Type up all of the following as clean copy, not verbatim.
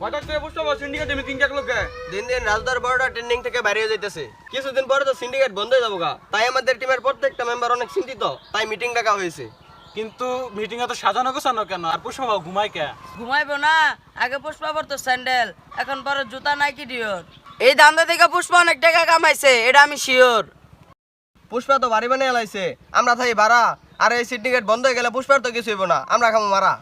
হঠাৎ করে বুঝতে পারো সিন্ডিকেটে মিটিং ডাকলো কে? দিন দিন রাজদার বড়টা ট্রেন্ডিং থেকে বাইরে যাইতেছে, কিছুদিন পরে তো সিন্ডিকেট বন্ধ হয়ে যাবো গা। তাই আমাদের টিমের প্রত্যেকটা মেম্বার অনেক চিন্তিত, তাই মিটিং ডাকা হয়েছে। কিন্তু মিটিং এ তো সাজানো গোছানো কেন, আর পুষ্পা ঘুমায় কে? ঘুমাইবো না, আগে পুষ্পা পরতো স্যান্ডেল, এখন পরে জুতা নাইকি ডিওর। এই দান্দা থেকে পুষ্পা অনেক টাকা কামাইছে, এটা আমি শিওর। পুষ্পা তো বাড়ি বানিয়ে লাইছে, আমরা থাই ভাড়া। আর এই সিন্ডিকেট বন্ধ হয়ে গেলে পুষ্পার তো কিছু হইব না, আমরা খামো মারা।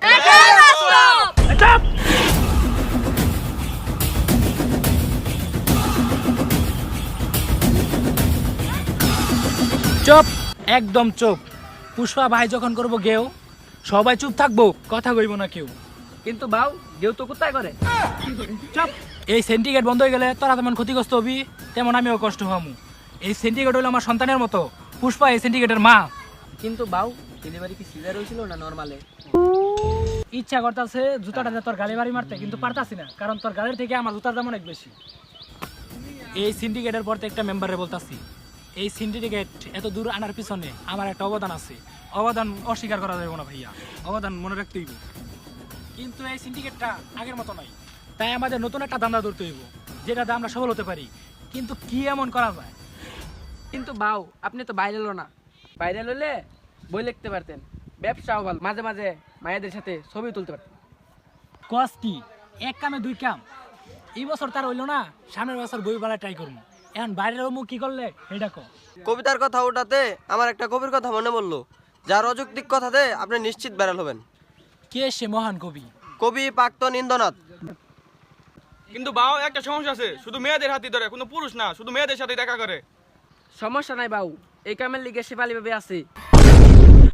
চুপ, একদম চুপ। পুষ্পা ভাই যখন করবো গেও, সবাই চুপ থাকবো, কথা কইব না কেউ। কিন্তু বাউ কেউ তো কোথায় করে? চুপ। এই সিন্ডিকেট বন্ধ হয়ে গেলে তোরা যেমন ক্ষতিগ্রস্ত হবি, তেমন আমিও কষ্ট হবো। এই সিন্ডিকেট হলো আমার সন্তানের মতো, পুষ্পা এই সিন্ডিকেটের মা। কিন্তু বাউ ডেলিভারি কি সিজার হয়েছিল না নরমালে? ইচ্ছা করতেছে জুতাটা দিয়ে তোর গালি বাড়ি মারতে, কিন্তু পারতাছি না, কারণ তোর গালের থেকে আমার জুতার দাম অনেক বেশি। এই সিন্ডিকেটের প্রত্যেকটা মেম্বারে বলতাছি, এই সিন্ডিকেট এত দূর আনার পিছনে আমার একটা অবদান আছে। অবদান অস্বীকার করা যাবে না ভাইয়া, অবদান মনে রাখতেই হইব। কিন্তু এই সিন্ডিকেটটা আগের মতো নাই, তাই আমাদের নতুন একটা ধান্দা ধরতে হইব, যেটাতে আমরা সফল হতে পারি। কিন্তু কি এমন করা যায়? কিন্তু বাউ আপনি তো ভাইরাল না, ভাইরাল হলে বই লিখতে পারতেন, ব্যবসাও ভালো, মাঝে মাঝে মায়েদের সাথে ছবি তুলতে পারতেন। কস কি এক কামে দুই কাম। এই বছর তার হইলো না, সামনের বছর বই বেলা ট্রাই করবো। এখন বাইরের মুখ কি করলে এটা কো। কবিতার কথা ওঠাতে আমার একটা কবির কথা মনে পড়লো, যার অযৌক্তিক কথাতে আপনি নিশ্চিত ভাইরাল হবেন। কে সে মহান কবি? কবি প্রাক্তন ইন্দ্রনাথ। কিন্তু বাও একটা সমস্যা আছে, শুধু মেয়েদের হাতি ধরে, কোনো পুরুষ না, শুধু মেয়েদের সাথে দেখা করে। সমস্যা নাই বাউ, এই কামের লিগে শেফালি ভাবে আছে।